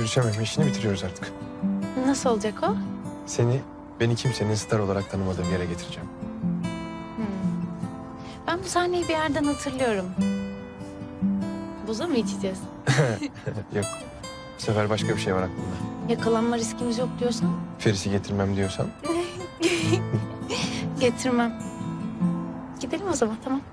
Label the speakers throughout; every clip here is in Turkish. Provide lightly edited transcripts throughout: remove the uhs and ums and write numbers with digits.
Speaker 1: görüşememe işini bitiriyoruz artık.
Speaker 2: Nasıl olacak o?
Speaker 1: Beni kimsenin star olarak tanımadığım yere getireceğim.
Speaker 2: Ben bu sahneyi bir yerden hatırlıyorum. Buza mı içeceğiz?
Speaker 1: Yok. Bu sefer başka bir şey var aklımda.
Speaker 2: Yakalanma riskimiz yok diyorsan
Speaker 1: Feris'i getirmem diyorsan.
Speaker 2: getirmem. Gidelim o zaman, tamam.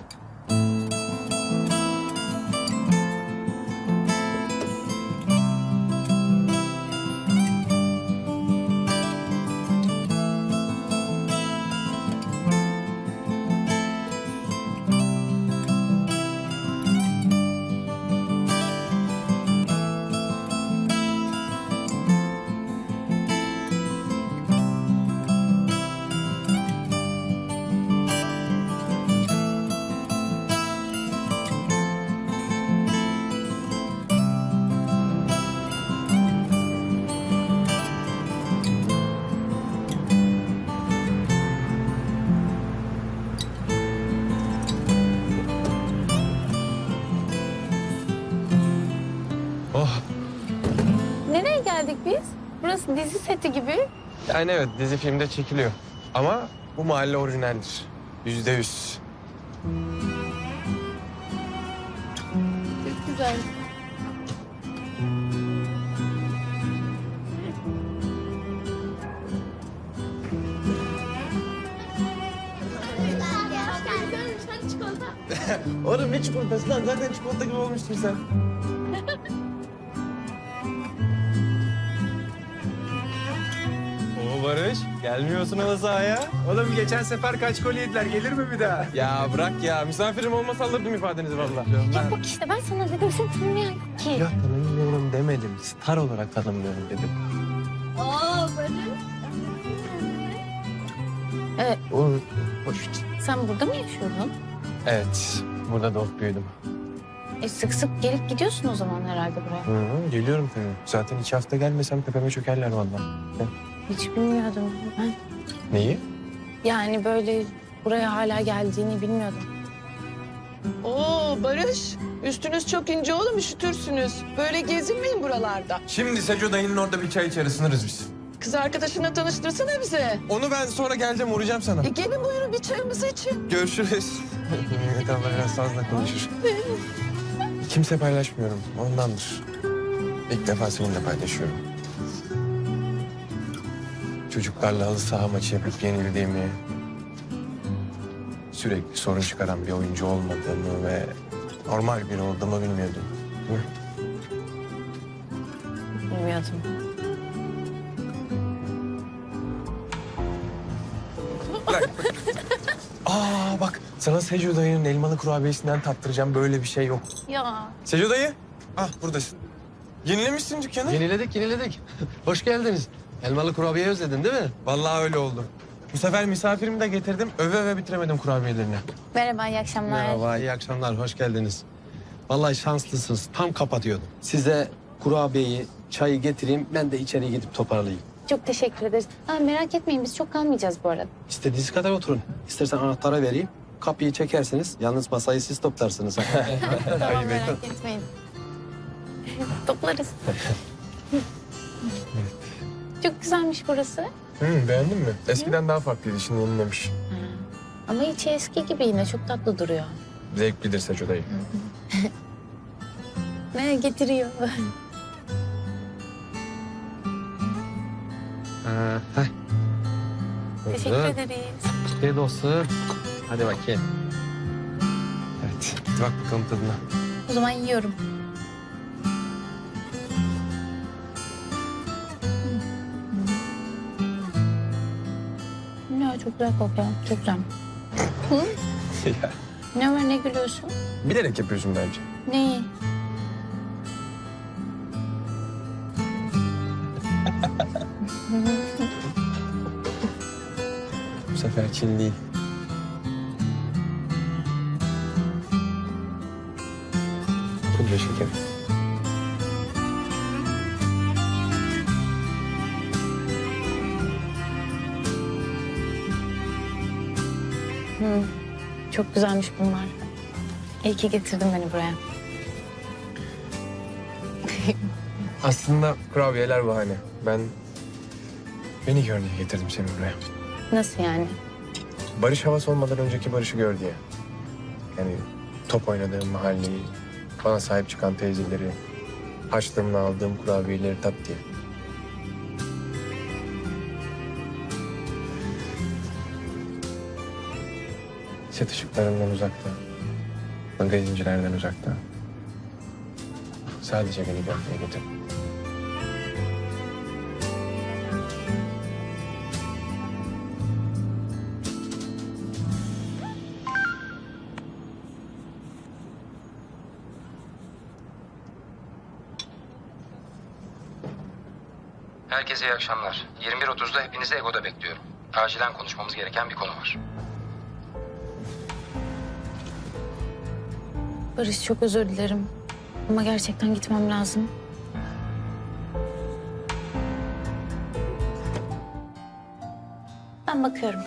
Speaker 1: Oh.
Speaker 2: Nereye geldik biz? Burası dizi seti gibi.
Speaker 1: Yani evet, dizi filmde çekiliyor. Ama bu mahalle orijinaldir. %100.
Speaker 2: Çok güzel.
Speaker 1: Oğlum ne çikolatası lan? Zaten çikolata gibi olmuşsun sen. Oo Barış, gelmiyorsun halı sahaya.
Speaker 3: Oğlum geçen sefer kaç gol yediler, gelir mi bir daha?
Speaker 1: Ya bırak ya, misafirim olmasa alırdım ifadenizi vallahi.
Speaker 2: Yok bak işte ben sana dedim seni tanımayan yok ki.
Speaker 1: Ya tanımıyorum demedim, star olarak tanımıyorum dedim. Oğlum, hoş.
Speaker 2: Sen burada mı yaşıyordun?
Speaker 1: Evet, burada doğup büyüdüm.
Speaker 2: Sık sık gelip gidiyorsun o zaman herhalde buraya.
Speaker 1: Hı, geliyorum tabii. Zaten 2 hafta gelmesem tepeme çökerler vallahi.
Speaker 2: Hiç bilmiyordum ben.
Speaker 1: Neyi?
Speaker 2: Yani böyle buraya hala geldiğini bilmiyordum.
Speaker 4: Oo Barış, üstünüz çok ince oğlum, üşütürsünüz. Böyle gezinmeyin buralarda.
Speaker 1: Şimdi Seco dayının orada bir çay içer, ısınırız biz.
Speaker 4: Kız arkadaşına tanıştırsana bize.
Speaker 1: Onu ben sonra geleceğim, uğrayacağım sana.
Speaker 4: Gelin buyurun bir çayımızı için.
Speaker 1: Görüşürüz. Mehmet abla biraz fazla konuşur. Kimse paylaşmıyorum, ondandır. İlk defa seninle paylaşıyorum. Çocuklarla halı saha maçı yapıp yenildiğimi... ...sürekli sorun çıkaran bir oyuncu olmadığımı ve... ...normal biri olduğumu bilmiyordum. Hı?
Speaker 2: Bilmiyordum.
Speaker 1: Aa bak, sana Seco dayının elmalı kurabiyesinden tattıracağım, böyle bir şey yok.
Speaker 2: Ya
Speaker 1: Seco dayı, ah buradasın. Yenilemişsin dükkanı.
Speaker 5: Yeniledik. Hoş geldiniz. Elmalı kurabiye özledin değil mi?
Speaker 1: Vallahi öyle oldu. Bu sefer misafirimi de getirdim, öve öve bitiremedim kurabiyelerini.
Speaker 2: merhaba, iyi akşamlar.
Speaker 5: Merhaba, iyi akşamlar, hoş geldiniz. Vallahi şanslısınız, tam kapatıyordum. Size kurabiyeyi, çayı getireyim, ben de içeri gidip toparlayayım.
Speaker 2: Çok teşekkür ederiz. Merak etmeyin biz çok kalmayacağız bu arada.
Speaker 5: İstediğiniz kadar oturun. İstersen anahtarı vereyim, kapıyı çekersiniz. Yalnız masayı siz toplarsınız.
Speaker 2: Tamam merak etmeyin. Toplarız. Çok güzelmiş burası.
Speaker 1: Beğendin mi? Eskiden daha farklıydı, şimdi yenilemiş.
Speaker 2: Ama içi eski gibi yine çok tatlı duruyor.
Speaker 1: Zevklidir Seco dayı.
Speaker 2: Ne getiriyor? Teşekkür ederiz.
Speaker 5: Afiyet olsun. Hadi bakayım.
Speaker 1: Evet, hadi bak bakalım tadına.
Speaker 2: O zaman yiyorum. Ne çok güzel kokuyor. Çok güzel.
Speaker 1: Ya,
Speaker 2: Ne var ne gülüyorsun?
Speaker 1: bilerek yapıyorsun bence.
Speaker 2: Neyi?
Speaker 1: Bu sefer Çin değil. Pudra şeker.
Speaker 2: Çok güzelmiş bunlar. İyi ki getirdin beni buraya.
Speaker 1: Aslında kurabiyeler bahane. Beni gör diye getirdim seni buraya.
Speaker 2: Nasıl yani?
Speaker 1: Barış havası olmadan önceki Barış'ı gör diye. Yani top oynadığım mahalleyi, bana sahip çıkan teyzeleri, harçlığımla aldığım kurabiyeleri tat diye. Set ışıklarından uzakta, magazincilerden uzakta. Sadece beni gör diye getirdim.
Speaker 6: Herkese iyi akşamlar. 21.30'da hepinizi Ego'da bekliyorum. Acilen konuşmamız gereken bir konu var.
Speaker 2: Barış çok özür dilerim. Ama gerçekten gitmem lazım. Ben bakıyorum.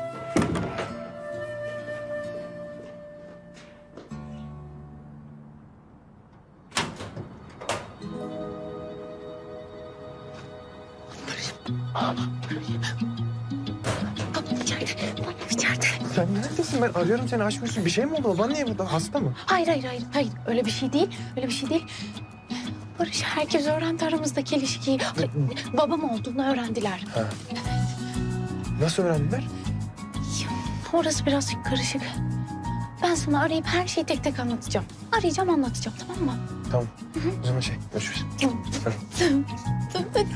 Speaker 2: Babam içeride. Babam içeride.
Speaker 1: Sen neredesin? Ben arıyorum seni, açmıyorsun. Bir şey mi oldu? Baban niye burada? Hasta mı?
Speaker 2: Hayır. Öyle bir şey değil. Öyle bir şey değil. Barış, herkes öğrendi aramızdaki ilişkiyi. Babam olduğunu öğrendiler.
Speaker 1: Ha. Nasıl öğrendiler?
Speaker 2: Orası biraz karışık. Ben sana arayıp her şeyi tek tek anlatacağım. Arayacağım, anlatacağım, tamam mı?
Speaker 1: Tamam. O zaman görüşürüz.
Speaker 2: Tamam. Tamam, hadi.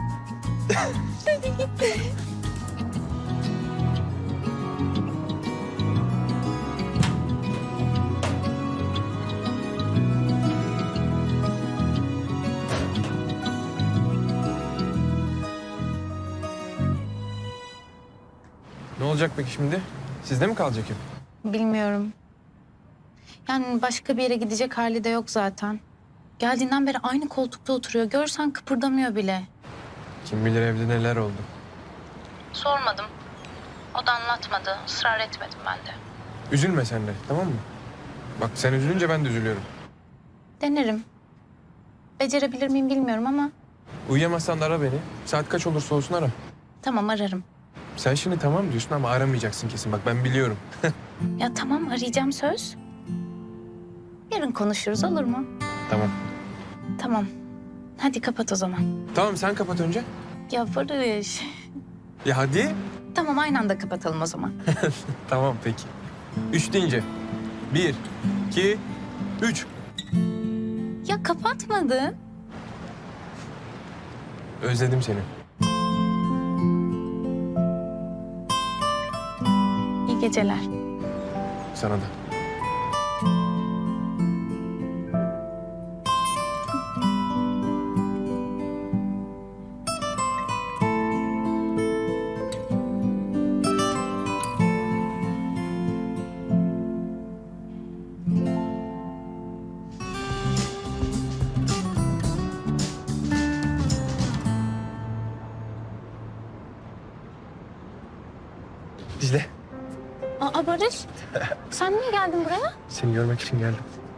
Speaker 1: Ne olacak peki şimdi? Sizde mi kalacak hep?
Speaker 2: Bilmiyorum. Yani başka bir yere gidecek hali de yok zaten. Geldiğinden beri aynı koltukta oturuyor. Görsen kıpırdamıyor bile.
Speaker 1: Kim bilir evde neler oldu.
Speaker 2: Sormadım. O da anlatmadı. Israr etmedim ben de.
Speaker 1: Üzülme sen de, tamam mı? Bak sen üzülünce ben de üzülüyorum.
Speaker 2: Denerim. Becerebilir miyim bilmiyorum ama
Speaker 1: Uyuyamazsan da ara beni. Saat kaç olursa olsun ara.
Speaker 2: tamam, ararım.
Speaker 1: Sen şimdi tamam diyorsun ama aramayacaksın kesin. Bak ben biliyorum.
Speaker 2: Ya tamam, arayacağım, söz. Yarın konuşuruz, olur mu?
Speaker 1: Tamam.
Speaker 2: Tamam. Hadi kapat o zaman.
Speaker 1: Tamam sen kapat önce.
Speaker 2: Ya Barış.
Speaker 1: Ya hadi.
Speaker 2: Tamam, aynı anda kapatalım o zaman.
Speaker 1: Tamam peki. 3 deyince. 1, 2, 3.
Speaker 2: Ya kapatmadın.
Speaker 1: Özledim seni.
Speaker 2: İyi geceler.
Speaker 1: Sana da. Dicle.
Speaker 2: Aa Barış, sen niye geldin buraya?
Speaker 1: Seni görmek için geldim.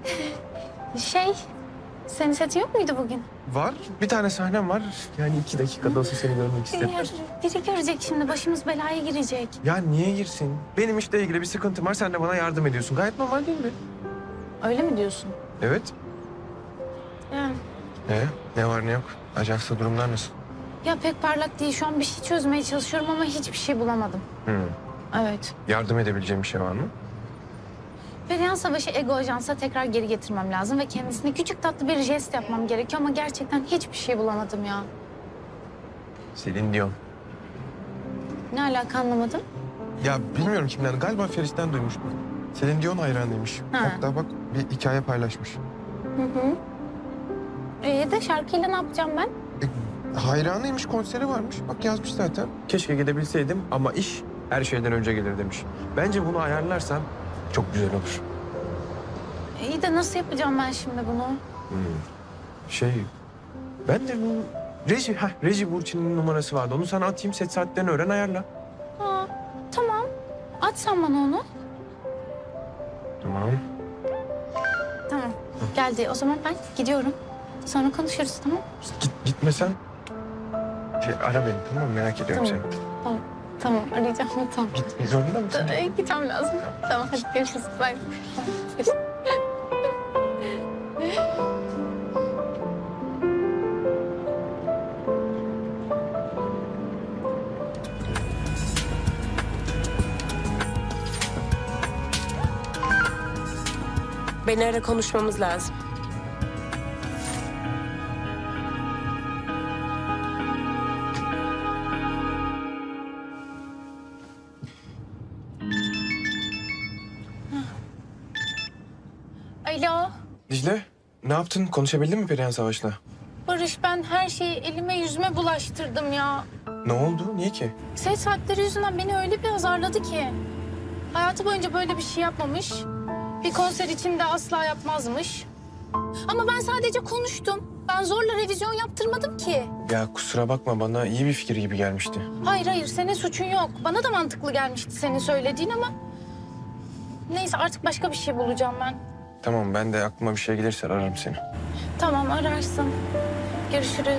Speaker 2: Senin setin yok muydu bugün?
Speaker 1: Var. Bir tane sahnem var. Yani 2 dakikada olsa seni görmek istedim.
Speaker 2: Biri görecek şimdi, başımız belaya girecek.
Speaker 1: Ya niye girsin? Benim işle ilgili bir sıkıntım var. Sen de bana yardım ediyorsun. Gayet normal değil mi?
Speaker 2: Öyle mi diyorsun?
Speaker 1: Evet.
Speaker 2: Yani.
Speaker 1: Ne var ne yok? Ajansta durumlar nasıl?
Speaker 2: Ya pek parlak değil. Şu an bir şey çözmeye çalışıyorum ama hiçbir şey bulamadım. Evet.
Speaker 1: Yardım edebileceğim bir şey var mı?
Speaker 2: Perihan Savaş'ı Ego Ajans'a tekrar geri getirmem lazım ve kendisine küçük tatlı bir jest yapmam gerekiyor ama gerçekten hiçbir şey bulamadım ya.
Speaker 1: Selin Dion.
Speaker 2: Ne alaka, anlamadım.
Speaker 1: Ya bilmiyorum kimden. Galiba Feris'ten duymuştum. Selin Dion hayranıymış.
Speaker 2: Ha.
Speaker 1: Hatta bak bir hikaye paylaşmış.
Speaker 2: De şarkıyla ne yapacağım ben?
Speaker 1: Hayranıymış, konseri varmış. Bak yazmış zaten. Keşke gidebilseydim ama iş her şeyden önce gelir demiş. Bence bunu ayarlarsan çok güzel olur.
Speaker 2: İyi de nasıl yapacağım ben şimdi bunu?
Speaker 1: Ben de bu Reji Burçin'in numarası vardı. Onu sana atayım, set saatlerini öğren, ayarla.
Speaker 2: Aa, tamam. At sen bana onu.
Speaker 1: Tamam.
Speaker 2: Tamam. Geldi. O zaman ben gidiyorum. Sonra konuşuruz, tamam?
Speaker 1: Gitmesen ara beni, tamam mı? Merak ediyorum
Speaker 2: Tamam.
Speaker 1: seni.
Speaker 2: Tamam, tamam arayacağım. Tamam.
Speaker 1: Gitmek zorunda mısın?
Speaker 2: Gitmem lazım. Tamam, hadi görüşürüz. Bye. Görüşürüz.
Speaker 7: Beni ara, konuşmamız lazım.
Speaker 2: Alo.
Speaker 1: Dicle, ne yaptın? Konuşabildin mi Perihan Savaş'la?
Speaker 2: Barış, ben her şeyi elime yüzüme bulaştırdım ya.
Speaker 1: Ne oldu? Niye ki?
Speaker 2: Ses saatleri yüzünden beni öyle bir azarladı ki. Hayatı boyunca böyle bir şey yapmamış. Bir konser için de asla yapmazmış. Ama ben sadece konuştum. Ben zorla revizyon yaptırmadım ki.
Speaker 1: Ya kusura bakma, bana iyi bir fikir gibi gelmişti.
Speaker 2: Hayır hayır, senin suçun yok. Bana da mantıklı gelmişti senin söylediğin ama... Neyse, artık başka bir şey bulacağım ben.
Speaker 1: Tamam, ben de aklıma bir şey gelirse ararım seni.
Speaker 2: Tamam, ararsın. Görüşürüz.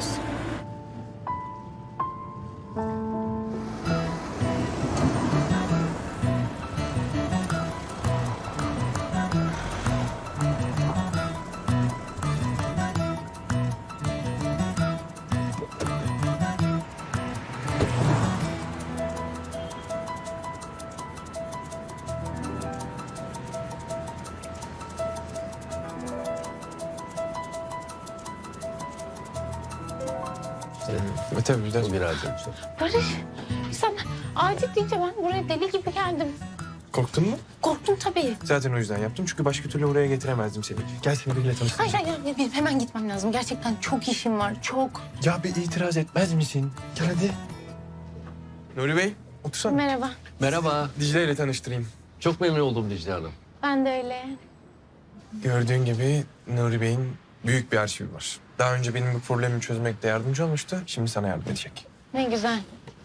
Speaker 1: Tabii bir de
Speaker 2: Barış, sen acil deyince ben buraya deli gibi geldim.
Speaker 1: korktun mu?
Speaker 2: Korktum tabii.
Speaker 1: Zaten o yüzden yaptım çünkü başka türlü oraya getiremezdim seni. Gel seni biriyle tanıştırayım.
Speaker 2: Hayır hayır, hayır, benim hemen gitmem lazım. Gerçekten çok işim var, çok.
Speaker 1: Ya bir itiraz etmez misin? Gel hadi. Nuri Bey, otursana.
Speaker 2: Merhaba,
Speaker 8: Merhaba.
Speaker 1: Dicle ile tanıştırayım.
Speaker 8: Çok memnun oldum Dicle Hanım.
Speaker 2: ben de öyle.
Speaker 1: Gördüğün gibi Nuri Bey'in büyük bir arşivi var. Daha önce benim bir problemimi çözmekte yardımcı olmuştu. Şimdi sana yardım edecek.
Speaker 2: Ne güzel.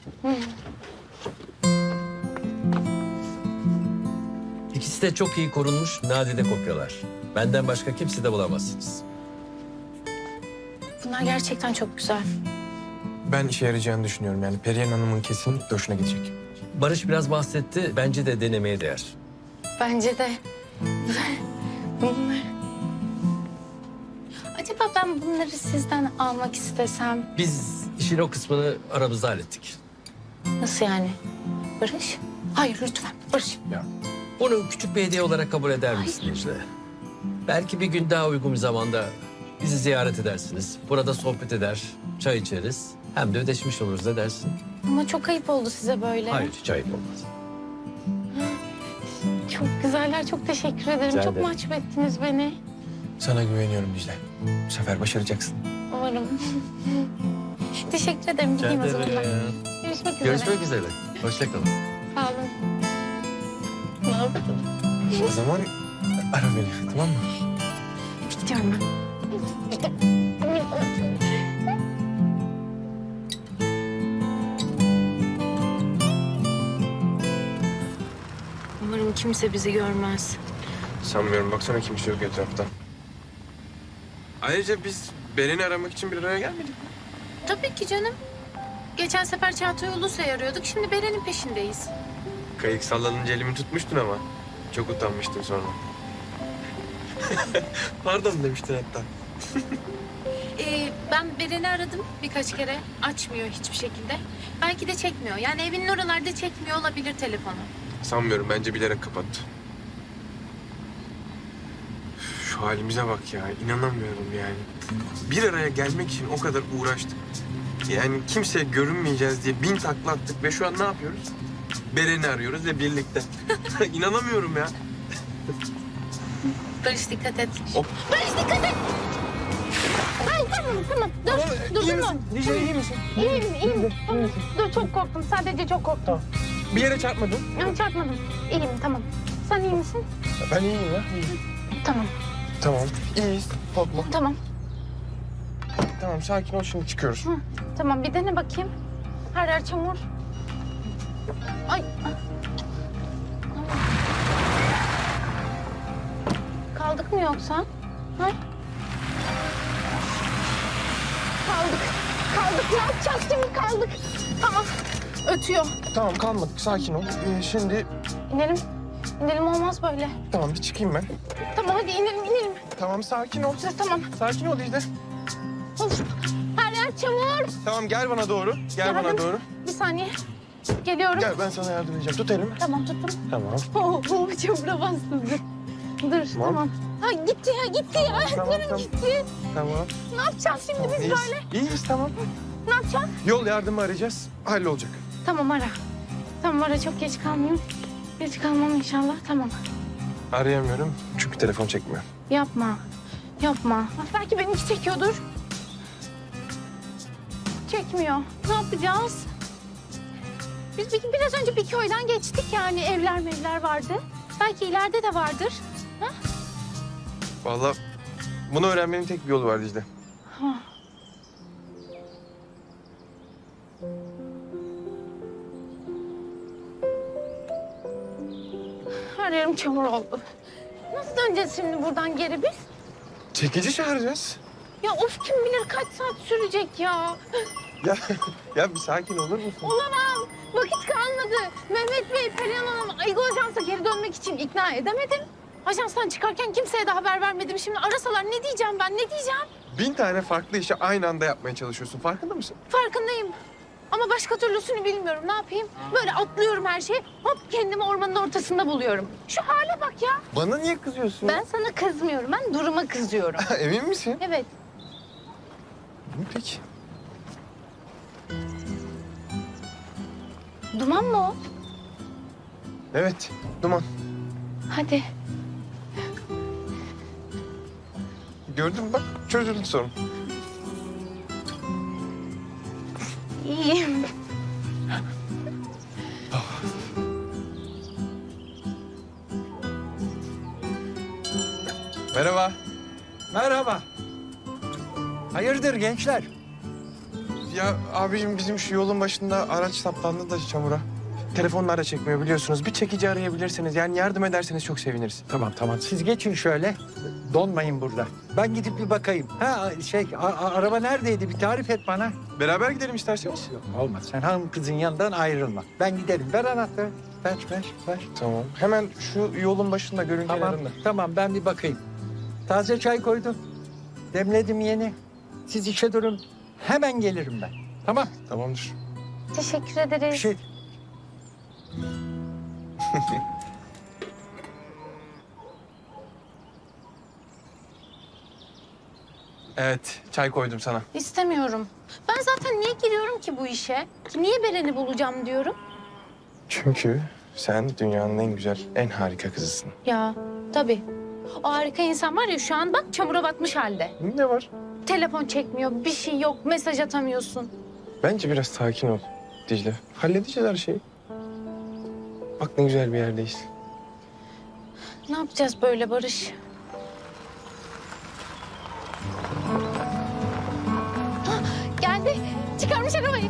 Speaker 8: İkisi de çok iyi korunmuş nadide kopyalar. Benden başka kimse de bulamazsınız.
Speaker 2: Bunlar gerçekten çok güzel.
Speaker 1: Ben işe yarayacağını düşünüyorum. Yani Perihan Hanım'ın kesinlikle hoşuna gidecek.
Speaker 8: Barış biraz bahsetti. Bence de denemeye değer.
Speaker 2: Bence de. Bunlar... Acaba ben bunları sizden almak istesem...
Speaker 8: Biz işin o kısmını aramızda hallettik.
Speaker 2: Nasıl yani? Barış? Hayır lütfen Barış.
Speaker 8: Bunu küçük bir hediye olarak kabul eder misin Dicle? Belki bir gün daha uygun bir zamanda bizi ziyaret edersiniz. Burada sohbet eder, çay içeriz. Hem de ödeşmiş oluruz, ne dersin?
Speaker 2: Ama çok ayıp oldu size böyle.
Speaker 8: Hayır, hiç ayıp olmaz.
Speaker 2: Çok güzeller, çok teşekkür ederim.
Speaker 8: Rica
Speaker 2: Çok
Speaker 8: ederim.
Speaker 2: mahcup ettiniz beni.
Speaker 1: Sana güveniyorum Dicle. Bu sefer başaracaksın.
Speaker 2: Umarım. Teşekkür ederim. Gideyim o zaman ben. Görüşmek üzere.
Speaker 8: Görüşmek üzere. Hoşça kalın.
Speaker 2: Sağ olun. Ne yaptın?
Speaker 1: O zaman ara beni, tamam mı?
Speaker 2: Gidiyorum ben. Umarım kimse bizi görmez.
Speaker 1: Sanmıyorum. Baksana kimse yok etrafta. Ayrıca biz Beren'i aramak için bir araya gelmedik mi?
Speaker 2: Tabii ki canım. Geçen sefer Çağatay Ulusoy'u arıyorduk. Şimdi Beren'in peşindeyiz.
Speaker 1: Kayık sallanınca elimi tutmuştun ama. Çok utanmıştım sonra. Pardon demiştin hatta.
Speaker 2: Ben Beren'i aradım birkaç kere. Açmıyor hiçbir şekilde. Belki de çekmiyor. Yani evinin oralarda çekmiyor olabilir telefonu.
Speaker 1: Sanmıyorum. Bence bilerek kapattı. Şu halimize bak ya. İnanamıyorum yani. Bir araya gelmek için o kadar uğraştık. Yani kimseye görünmeyeceğiz diye 1000 takla attık ve şu an ne yapıyoruz? Beren'i arıyoruz ve birlikte. İnanamıyorum ya.
Speaker 2: Barış dikkat et.
Speaker 1: Hop.
Speaker 2: Barış dikkat et! Ay tamam. Dur durma.
Speaker 1: iyi misin?
Speaker 2: İyiyim. Tamam. Dur çok korktum. Sadece çok korktum.
Speaker 1: Bir yere çarpmadın.
Speaker 2: Yani çarpmadım. İyiyim tamam. Sen iyi misin?
Speaker 1: Ben iyiyim ya.
Speaker 2: Tamam.
Speaker 1: Tamam. İyiyiz. Korkma.
Speaker 2: Tamam.
Speaker 1: Tamam sakin ol, şimdi çıkıyoruz.
Speaker 2: Tamam bir dene bakayım. Her yer çamur. Ay. Kaldık mı yoksa? Ha? Kaldık. Ne yapacağız şimdi? Kaldık. Tamam. Ötüyor.
Speaker 1: Tamam kalmadık sakin ol. Şimdi
Speaker 2: İnelim. İnelim, olmaz böyle.
Speaker 1: tamam bir çıkayım ben.
Speaker 2: Tamam hadi inelim.
Speaker 1: Tamam sakin ol.
Speaker 2: Tamam.
Speaker 1: Sakin ol Dicle.
Speaker 2: Of. Her yer çamur.
Speaker 1: Tamam gel bana doğru. Gel bana
Speaker 2: Geldim.
Speaker 1: doğru.
Speaker 2: Bir saniye. Geliyorum.
Speaker 1: Gel ben sana yardım edeceğim. Tut elimi.
Speaker 2: Tamam tuttum.
Speaker 1: Tamam.
Speaker 2: Çamura bastım. Dur tamam. Ha gitti ya. Ayaklarım
Speaker 1: tamam.
Speaker 2: gitti.
Speaker 1: Tamam.
Speaker 2: Ne yapacağız şimdi biz
Speaker 1: İyiyiz.
Speaker 2: böyle?
Speaker 1: İyiyiz tamam.
Speaker 2: Ne yapacağız?
Speaker 1: Yol yardımı arayacağız. Hallolacak.
Speaker 2: Tamam ara. Tamam ara, çok geç kalmayayım. Geç kalmam inşallah. Tamam.
Speaker 1: Arayamıyorum çünkü telefon çekmiyor.
Speaker 2: Yapma. Bak, belki benimki çekiyordur. Çekmiyor. Ne yapacağız? Biz biraz önce bir köyden geçtik, yani evler vardı. Belki ileride de vardır.
Speaker 1: Vallahi bunu öğrenmenin tek bir yolu var Dicle.
Speaker 2: Ha. Her yerim çamur oldu. Nasıl döneceğiz şimdi buradan geri biz?
Speaker 1: Çekici çağıracağız.
Speaker 2: Ya of, kim bilir kaç saat sürecek ya.
Speaker 1: Ya bir sakin olur musun?
Speaker 2: Olamam. Vakit kalmadı. Mehmet Bey, Perihan Hanım, Aygo Ajans'a geri dönmek için ikna edemedim. Ajanstan çıkarken kimseye de haber vermedim. Şimdi arasalar ne diyeceğim ben, ne diyeceğim?
Speaker 1: 1000 tane farklı işi aynı anda yapmaya çalışıyorsun. Farkında mısın?
Speaker 2: Farkındayım. Ama başka türlüsünü bilmiyorum. Ne yapayım? Böyle atlıyorum her şeyi. Hop, kendimi ormanın ortasında buluyorum. Şu hale bak ya.
Speaker 1: Bana niye kızıyorsun?
Speaker 2: Ben sana kızmıyorum. Ben duruma kızıyorum.
Speaker 1: Emin misin?
Speaker 2: Evet.
Speaker 1: Peki.
Speaker 2: Duman mı o?
Speaker 1: Evet, duman.
Speaker 2: Hadi.
Speaker 1: Gördün mü bak, çözüldü sorun.
Speaker 2: İyiyim.
Speaker 1: Merhaba.
Speaker 3: Merhaba. Hayırdır gençler?
Speaker 1: Ya abicim bizim şu yolun başında araç saplandı da çamura. Telefonlar da çekmiyor biliyorsunuz. Bir çekici arayabilirsiniz. Yani yardım ederseniz çok seviniriz.
Speaker 3: Tamam. Siz geçin şöyle. Donmayın burada. Ben gidip bir bakayım. Araba neredeydi? Bir tarif et bana.
Speaker 1: Beraber gidelim isterseniz.
Speaker 3: Yok, olmaz. Sen hanım kızın yanından ayrılma. Ben giderim. Ver anahtarı. Ver.
Speaker 1: Tamam. Hemen şu yolun başında görün kenarında.
Speaker 3: Tamam ben bir bakayım. Taze çay koydum. Demledim yeni. Siz işe durun. Hemen gelirim ben. Tamam.
Speaker 1: Tamamdır.
Speaker 2: Teşekkür
Speaker 3: Bir
Speaker 2: ederiz.
Speaker 3: şey.
Speaker 1: Evet, çay koydum sana.
Speaker 2: İstemiyorum. Ben zaten niye giriyorum ki bu işe? Niye Beren'i bulacağım diyorum?
Speaker 1: Çünkü sen dünyanın en güzel, en harika kızısın.
Speaker 2: Ya tabii. O harika insan var ya, şu an bak çamura batmış halde.
Speaker 1: Ne var?
Speaker 2: Telefon çekmiyor, bir şey yok, mesaj atamıyorsun.
Speaker 1: Bence biraz sakin ol Dicle. Halledeceğiz her şeyi. Bak ne güzel bir yerdeyiz.
Speaker 2: Ne yapacağız böyle Barış? Hah, geldi. Çıkarmış arabayı.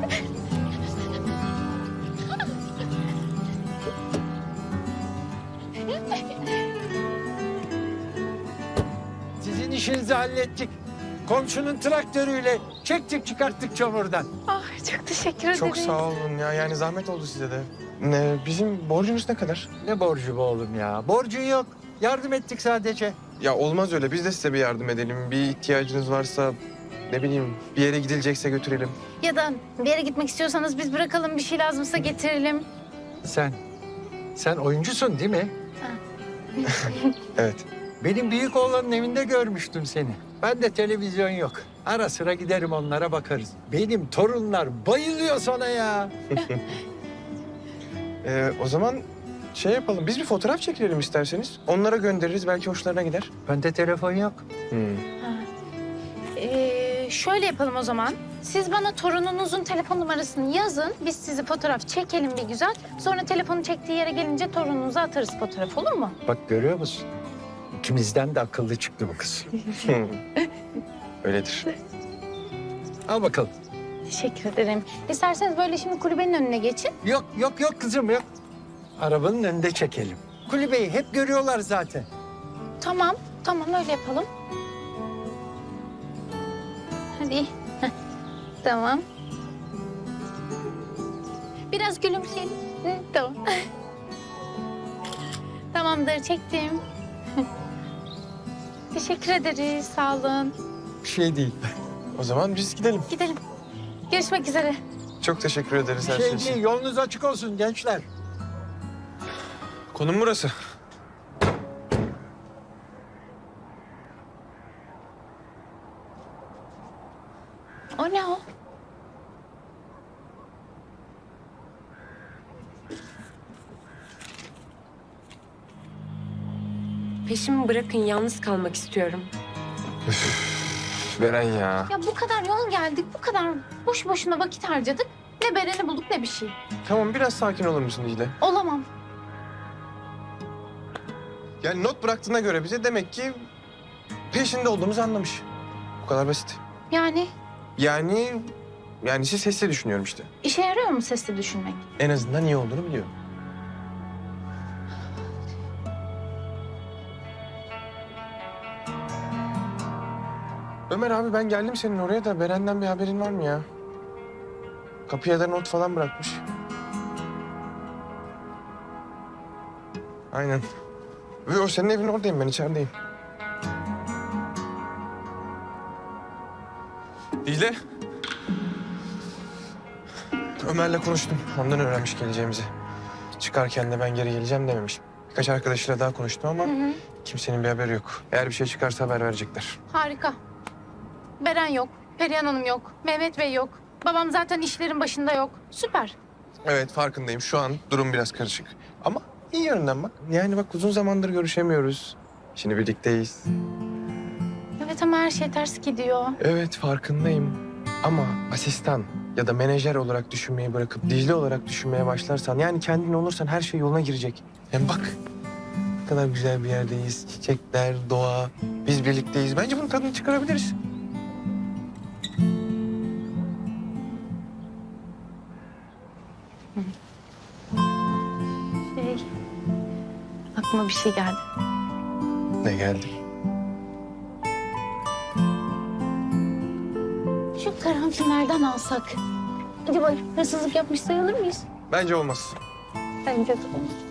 Speaker 3: Sizin işinizi hallettik. Komşunun traktörüyle çektik çıkarttık çamurdan.
Speaker 2: Ah, çok teşekkür ederim.
Speaker 1: Çok sağ olun ya. Yani zahmet oldu size de. Bizim borcumuz ne kadar?
Speaker 3: Ne borcu be oğlum ya? Borcun yok. Yardım ettik sadece.
Speaker 1: Ya olmaz öyle. Biz de size bir yardım edelim. Bir ihtiyacınız varsa ne bileyim bir yere gidilecekse götürelim.
Speaker 2: Ya da bir yere gitmek istiyorsanız biz bırakalım, bir şey lazımsa getirelim.
Speaker 3: Sen oyuncusun değil mi?
Speaker 1: Evet.
Speaker 3: Benim büyük oğlanın evinde görmüştüm seni. Ben de televizyon yok. Ara sıra giderim onlara bakarız. Benim torunlar bayılıyor sana ya.
Speaker 1: O zaman şey yapalım. Biz bir fotoğraf çekilelim isterseniz. Onlara göndeririz. Belki hoşlarına gider.
Speaker 3: Bende telefon yok.
Speaker 2: Şöyle yapalım o zaman. Siz bana torununuzun telefon numarasını yazın. Biz sizi fotoğraf çekelim bir güzel. Sonra telefonu çektiği yere gelince torununuza atarız fotoğraf, olur mu?
Speaker 3: Bak görüyor musun? İkimizden de akıllı çıktı bu kız.
Speaker 1: Öyledir.
Speaker 3: Al bakalım.
Speaker 2: Teşekkür ederim. İsterseniz böyle şimdi kulübenin önüne geçin.
Speaker 3: Yok kızım yok. Arabanın önünde çekelim. Kulübeyi hep görüyorlar zaten.
Speaker 2: Tamam öyle yapalım. Hadi. Heh. Tamam. Biraz gülümseyelim. Hı, tamam. Tamamdır, çektim. Teşekkür ederiz, sağ olun.
Speaker 3: Bir şey değil.
Speaker 1: O zaman biz gidelim.
Speaker 2: Gidelim. Görüşmek üzere.
Speaker 1: Çok teşekkür ederiz
Speaker 3: Bir
Speaker 1: her
Speaker 3: şey
Speaker 1: şey için.
Speaker 3: değil. Yolunuz açık olsun gençler.
Speaker 1: Konum burası.
Speaker 2: O ne o?
Speaker 7: Peşimi bırakın, yalnız kalmak istiyorum.
Speaker 1: Beren ya.
Speaker 2: Ya bu kadar yol geldik, bu kadar boş boşuna vakit harcadık. Ne Beren'i bulduk ne bir şey.
Speaker 1: Tamam biraz sakin olur musun Dicle?
Speaker 2: Olamam.
Speaker 1: Yani not bıraktığına göre bize demek ki peşinde olduğumuzu anlamış. Bu kadar basit.
Speaker 2: Yani
Speaker 1: Yani siz sesli düşünüyorum işte.
Speaker 2: işe yarıyor mu sesli düşünmek?
Speaker 1: En azından iyi olduğunu biliyorum. Ömer abi ben geldim senin oraya da Beren'den bir haberin var mı ya? Kapıya da not falan bırakmış. Aynen. Ve o senin evin oradayım ben içerideyim. Dicle. Ömer'le konuştum. Ondan öğrenmiş geleceğimizi. Çıkarken de ben geri geleceğim dememiş. Birkaç arkadaşıyla daha konuştum ama kimsenin bir haberi yok. Eğer bir şey çıkarsa haber verecekler.
Speaker 2: Harika. Beren yok, Perihan Hanım yok, Mehmet Bey yok. Babam zaten işlerin başında yok. Süper.
Speaker 1: Evet farkındayım. Şu an durum biraz karışık. Ama iyi yönden bak. Yani bak uzun zamandır görüşemiyoruz. Şimdi birlikteyiz.
Speaker 2: Evet ama her şey ters gidiyor.
Speaker 1: Evet farkındayım. Ama asistan ya da menajer olarak düşünmeyi bırakıp Dicle olarak düşünmeye başlarsan... yani kendin olursan her şey yoluna girecek. Hem bak ne kadar güzel bir yerdeyiz. Çiçekler, doğa. Biz birlikteyiz. Bence bunun tadını çıkarabiliriz.
Speaker 2: Aklıma bir şey geldi.
Speaker 1: Ne geldi?
Speaker 2: Şu karantinlerden alsak. Acaba hırsızlık yapmış sayılır mıyız?
Speaker 1: Bence olmaz.
Speaker 2: Bence de.